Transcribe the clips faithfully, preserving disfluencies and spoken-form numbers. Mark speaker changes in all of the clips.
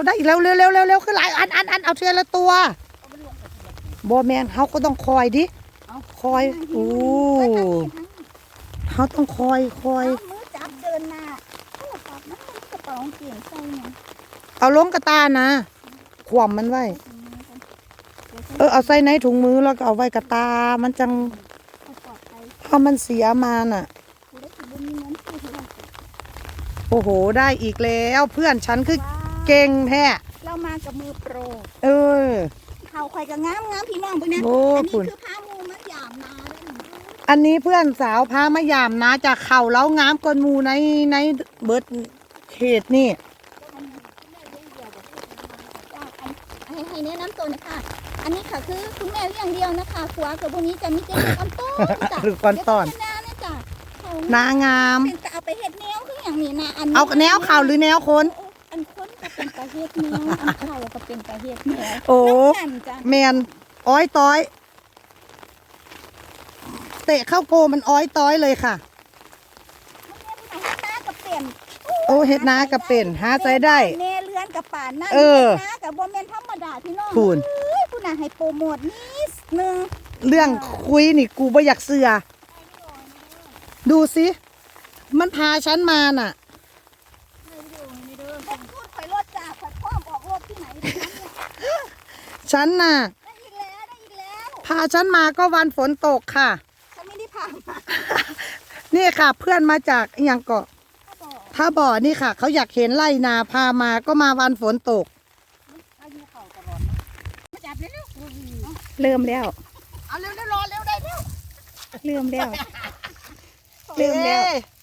Speaker 1: ได้อีกแล้วเร็วเร็วเร็วเร็วขึ้นหลายอันอันอันเอาเทียละตัวบอแมนเขาก็ต้องคอยดิคอยโอ้เขาต้องคอยคอย
Speaker 2: มือจับเดินหน้าโอ้ปับนะกระเป๋าเกี่ยงใส่เนี่ย
Speaker 1: เอาล้มกระตานะขวมมันไว้เออเอาใส่ในถุงมือแล้วก็เอาไว้กระตามันจังถ้ามันเสียมาน่ะโอ้โหได้อีกแล้วเพื่อนฉันคือเก่งแท้
Speaker 2: เรามากับมือโปร
Speaker 1: เออ
Speaker 2: เขาคอยกับงามงามพี่น้องพวกนี้อันนี้คือพามูมะยามนา
Speaker 1: อันนี้เพื่อนสาวพามะยามนาจากเข่าแล้วงามกนมูในในเบิร์ดเขตนี่
Speaker 2: ให้แนะนำตัวนะคะอันนี้ค่ะคือคุณแม่อย่างเดียวนะคะขวากับพวกนี้จะมีเจ้าก้อนต้น
Speaker 1: หรือก้อนต้นนางาม
Speaker 2: เอาไปเห็ดแนวคืออย่างนี้นะอัน
Speaker 1: เอาแนวเข่าหรือแนวคน
Speaker 2: อันคนก็เป็นปลาเห็ดแนวอันเข่าก็เป็นปลาเห็ดแนว
Speaker 1: โอ้แมนอ้อยต้อยเตะเข้าโกมันอ้อยต้อยเลยค่ะโอ้เห็ดนากับเป็นหาใจได้
Speaker 2: เนเลือนกับป่านนั่น
Speaker 1: เออ
Speaker 2: นากับโบเมนธรรมดาพี่น้อง
Speaker 1: พูน
Speaker 2: พูนน่ะให้โปรโมทนิดนึง
Speaker 1: เรื่องคุยนี่กูไม่อยากเสือดูสิมันพาฉันมาน่ะ
Speaker 2: พูดไปรถจ่าผัดพ่อมออกรถที่ไหน
Speaker 1: ฉันน่ะ
Speaker 2: ได้อีกแล้วได้อีกแล้ว
Speaker 1: พาฉันมาก็วันฝนตกค่ะ
Speaker 2: ฉันไม่ได้พามา
Speaker 1: นี่ค่ะเพื่อนมาจากอย่างเกาะถ้าบ่อนี่ค่ะเขาอยากเห็นไร่นาพามาก็มาวันฝนตก
Speaker 2: เริ่มแล้ว
Speaker 1: เอาเร็วเร็วรอเร็วได้เร็ว
Speaker 2: เริ่มแล้วเริ่มแล้ว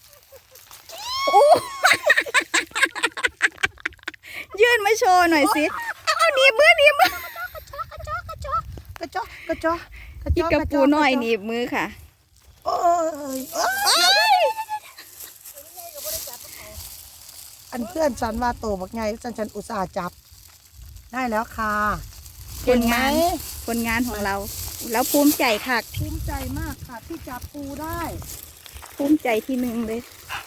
Speaker 2: ยื่นมาโชว์หน่อยสิเอาหนีบมือหนีบมือกระจอกกระจอกกระจอก
Speaker 1: กระจอกกระจอก
Speaker 2: อีกกระปูหน่อยหนีบมือค่ะ
Speaker 1: โอ้ยอันเพื่อนฉันว่าโตบักไงฉันฉันอุตส่าห์จับได้แล้วค่ะ
Speaker 2: ผลงานผลงานของเราแล้วภูมิใจค่ะ
Speaker 1: ภูมิใจมากค่ะที่จับปูได้
Speaker 2: ภูมิใจที่หนึ่งเลย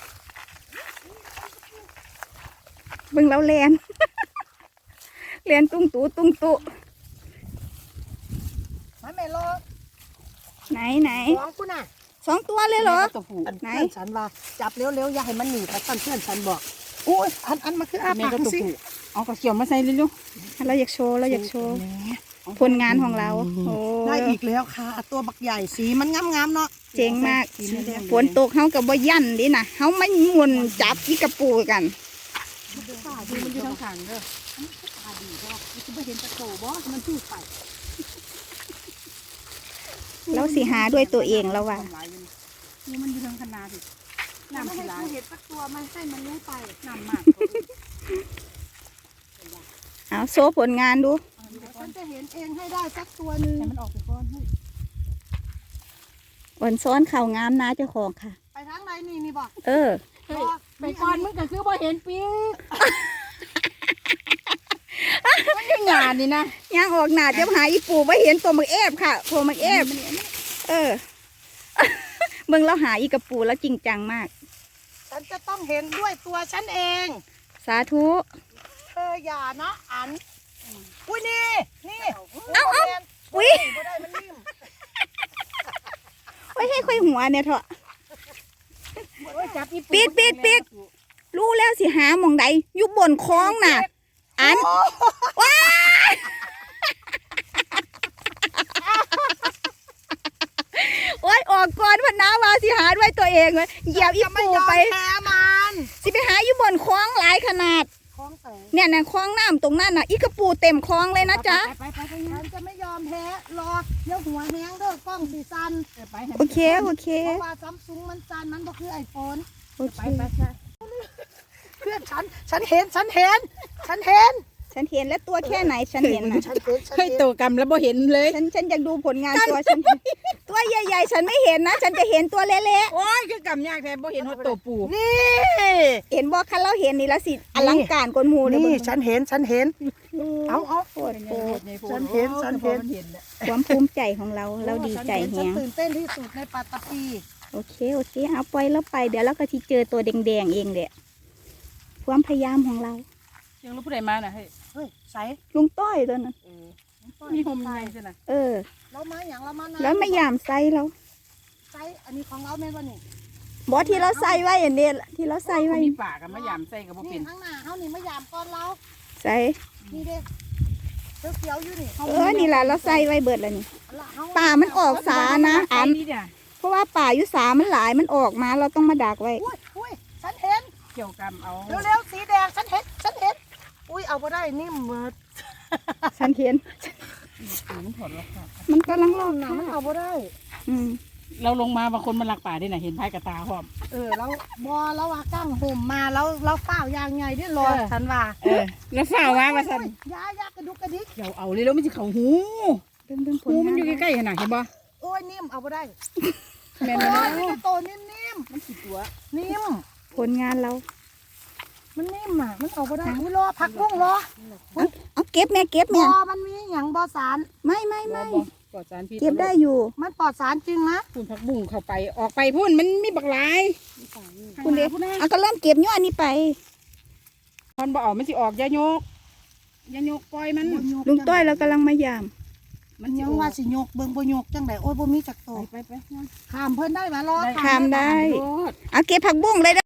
Speaker 2: เบิ่งเราแลนแลนตุ้งตู้ตุ้งตู้
Speaker 1: มาแม่รอ
Speaker 2: ไหนไหน
Speaker 1: สองคุณน่ะ
Speaker 2: สองตัวเลยเหรอ
Speaker 1: ไหนเพื่อนฉันว่าจับเร็วๆอย่าให้มันหนีแต่เพื่อนฉันบอกโอ้ยอันอันมาคืออาปากสิ
Speaker 2: เอากระเขียวมาใส่เร็วๆเราอยากโชว์เราอยากโชว์ผลงานของเรา
Speaker 1: ได้อีกแล้วค่ะตัวบักใหญ่สีมันงามๆเนาะ
Speaker 2: เจ๋งมากฝนตกเขากับบ่ยันดินะเขาไม่มุนจับอีกระปูกัน
Speaker 1: ดูมันอยู่ทางขางเด้อตาดีก็คือไม่เห็นตะโกบ่มันจู่ไป
Speaker 2: เราสิหาด้วยตัวเองแล้วว่ะ
Speaker 1: นี่มันอยู่ทางคณะสิน้ำให้กูเห็นสักตัวมันให้มันรู้ไปน้ำมาก
Speaker 2: เอาโซ่ผลงานดู
Speaker 1: ฉันจะเห็นเองให้ได้สักตัวนึงให้มันออกไปก้อนให้
Speaker 2: อ่อนซ้อนข่าวงามนะเจ้าของค่ะ
Speaker 1: ไปทางไหนนี่นี่บอก
Speaker 2: เออ
Speaker 1: ไปก่อนมึงก็คือบ่เห็นปีมันยังหยาดนี่นะ
Speaker 2: ย่างออกหนาจะหาอีปูไม่เห็นตัวมักเอฟค่ะตัวมักเอฟเออเบิ่งเราหาอีกระปูแล้วจริงจังมาก
Speaker 1: ฉันจะต้องเห็นด้วยตัวฉันเอง
Speaker 2: สาธุ
Speaker 1: เธออย่านะอันอุ้ยนี่นี่
Speaker 2: เอาเอาอุ้ยไว้ให้ค่อยหัวเนี่ยเถอะปิดปิดปิดรู้แล้วสิหาหม่องใดอยู่บนคลองน่ะอันว้าโอ้ยออกก่อนพันน้ามาสิหาด้วยตัวเองเลยเหยียบอีปูไปสิไปหาอยู่บนคลองหลายขนาดเนี่ยนะคลองน้ำตรงนั้นน่ะอีกระปูเต็มคลองเลยนะจ๊ะ
Speaker 1: ไปไปไปฉันจะไม่ยอมแพ้รอเดี๋ยวหัวแห้งเด้อกล้องสีซัน
Speaker 2: โอเคโอเค
Speaker 1: เพราะว่าซัมซุงมันซันมันก็คือไอโฟน
Speaker 2: โอเค
Speaker 1: เพื่อนฉันฉันเห็นฉันเห็นฉันเห็น
Speaker 2: ฉันเห็นแล้วตัวแค่ไหนฉันเห็นนะ
Speaker 1: เคยโตกรรมแล้วบ่เห็นเลย
Speaker 2: ฉันฉันอยากดูผลงานตัวฉันตัวใหญ่ๆฉันไม่เห็นนะฉันจะเห็นตัวเล็ก
Speaker 1: ๆโอ้ยคือกรรมยากแท้บ่เห็นหัวโตปูนี่
Speaker 2: เห็นบ่คันเราเห็นนี่แล้วสิอลังการกว่าหมู่เลย
Speaker 1: นี่ฉันเห็นฉันเห็นเอาเอา
Speaker 2: โอ้โห
Speaker 1: ฉันเห็นฉันเห็น
Speaker 2: ความภูมิใจของเราเราดีใจแฮง
Speaker 1: ตื่นเต้นที่สุดในปัตตภี
Speaker 2: โอเคโอเคเอาปล่อยแล้วไปเดี๋ยวเราก็จะเจอตัวแดงๆเองแหละความพยายามของเรา
Speaker 3: ยังรู้ผู้ใดมาน่ะเฮ้ย
Speaker 1: ฮ้ยใส
Speaker 2: ลุงต้อยตัวนั้น
Speaker 3: มีโฮมไงใช่ไหม
Speaker 2: เออ
Speaker 1: เรามาอย่างเรามานา
Speaker 2: แล้วไม่ยามใส่เรา
Speaker 1: ใสอันนี้ของเราแม่นบ่นี่
Speaker 2: บอที่เราใส่ไว้อันเนี้ยที่เราใส่ไว้
Speaker 3: มีปากกับมะยามใส่กับบ่
Speaker 1: นี่
Speaker 3: เป็น
Speaker 1: ข้างหน้าเฮานี่มายามก่อนเรา
Speaker 2: ใส่
Speaker 1: นี่เด้เขียวๆอยู่นี่
Speaker 2: เออนี่แหละเราใส่ไว้เบิดแล้วนี่
Speaker 1: ละเฮา
Speaker 2: ป่ามันออกสานะอัน
Speaker 3: นี่เนี่ย
Speaker 2: เพราะว่าป่าอยู่สามันหลายมันออกมาเราต้องมาดักไว้
Speaker 1: อุ้ยอุ้ยฉันเห็น
Speaker 3: เกี่ยวกับเอา
Speaker 1: เร็วๆสีแดงฉันเห็นฉันเห็นอุ้ยเอาบ่ได้นิ่มเหมือด
Speaker 2: ฉันเห็น
Speaker 3: ถึงถอดแล้วค่ะ
Speaker 2: มันกำลังล
Speaker 1: นิ่
Speaker 2: อ
Speaker 1: ม
Speaker 2: ก
Speaker 1: นะมันเอาบ่ได้
Speaker 2: อืม
Speaker 3: เราลงมาบางคนมันลักป่าได้น่ะเห็นพายกระตาพร้อม
Speaker 1: เออแล้วบอแล้วว่ากั้งห่มมาแล้วแล้วฝ้าวยางไงเด้อรอ
Speaker 3: เออ
Speaker 1: ฉันว่า
Speaker 3: เออแล้วฝ่าว่ามาสั่น
Speaker 1: โอ้ยยายากระดุกกระดิก
Speaker 3: เดี๋ยวเอาเลยแล้วมันจะเข่าหู
Speaker 2: เบิ่งเบิ่งผล
Speaker 3: หูมันอยู่
Speaker 2: งาน
Speaker 3: ใกล้ๆขนาดเห็นบ่
Speaker 1: โอ้ยนิ่มเอาบ่ได้
Speaker 3: แม่น
Speaker 1: โอ้
Speaker 3: บ่
Speaker 1: ย
Speaker 3: เนาะ
Speaker 1: ไม่ได้โตนิ่ม
Speaker 3: มันสิตัว
Speaker 1: ๆนิ่ม
Speaker 2: ผลงานเรา
Speaker 1: มันนิ่มอ่ะมันเอาบ่ได้อุ้ยรอผักบุ้งรอ
Speaker 2: เอาเก็บแม่เก็บบ แม่
Speaker 1: อมันมีหยังบอสาร
Speaker 2: ไม่ไม่
Speaker 3: บ่
Speaker 2: ไม่
Speaker 3: บ่ปลอดสารพิษ
Speaker 2: เก็บได้อยู่
Speaker 1: มันปลอดสารจริงนะ
Speaker 3: พุ่นผักบุ้งเข้าไปออกไปพุ่นมันมีบักหลาย
Speaker 2: คุณเด็ก
Speaker 3: พุ่นนะ
Speaker 2: เอาก็เริ่มเก็บย้อนนี้ไป
Speaker 3: มันบ่ออกมันสิออกอยาโยกอยาโยกปล่อยมัน
Speaker 2: ลุงต้อยเรากำลังมายาม
Speaker 1: มันยังว่าสิยกเบิ่งบ่ยกจังไดโอ้ยบ่มีจักโต
Speaker 3: ไปไปไป
Speaker 1: ข้ามเพิ่นได้บ่รอ
Speaker 2: ข้ามได้
Speaker 3: โลด
Speaker 2: เอาเก็บผักบุ้งเลย